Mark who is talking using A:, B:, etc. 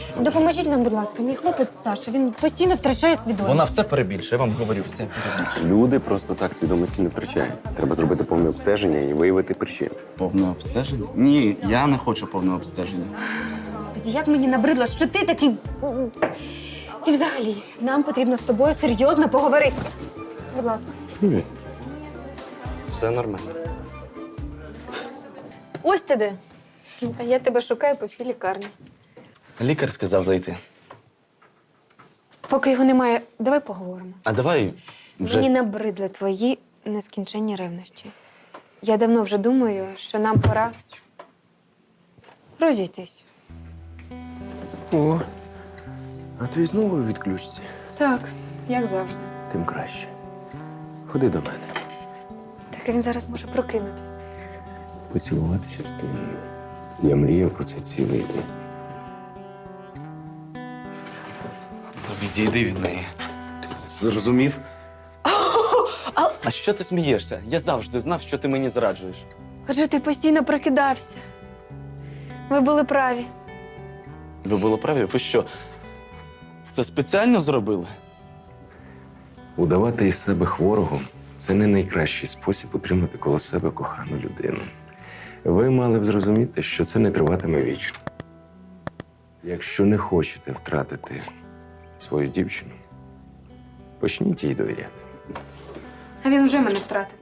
A: Допоможіть нам, будь ласка. Мій хлопець Саша, він постійно втрачає свідомість.
B: Вона все перебільшує, я вам говорю, все перебільшує.
C: Люди просто так свідомості не втрачають. Треба зробити повне обстеження і виявити причину.
B: Повне обстеження? Ні, я не хочу повного обстеження.
A: Господи, як мені набридло, що ти такий. І взагалі, нам потрібно з тобою серйозно поговорити. Будь ласка.
B: Все нормально.
A: Ось ти де. А я тебе шукаю по всій лікарні.
B: Лікар сказав зайти.
A: Поки його немає, давай поговоримо.
B: А давай вже.
A: Мені набридли твої нескінченні ревності. Я давно вже думаю, що нам пора розійтись.
C: О, а твій знову відключиться.
A: Так, як завжди.
C: Тим краще. Ходи до мене.
A: Так він зараз може прокинутись.
C: Поцілуватися встигну. Я мріяв про це цілий день.
B: Відійди від неї. Зрозумів? А що ти смієшся? Я завжди знав, що ти мені зраджуєш.
A: Адже ти постійно прокидався. Ви були праві.
B: Ви були праві? Ви що? Це спеціально зробили?
C: Удавати із себе хворого – це не найкращий спосіб утримати коло себе кохану людину. Ви мали б зрозуміти, що це не триватиме вічно. Якщо не хочете втратити свою дівчину, почніть їй довіряти.
A: А він вже мене втратив.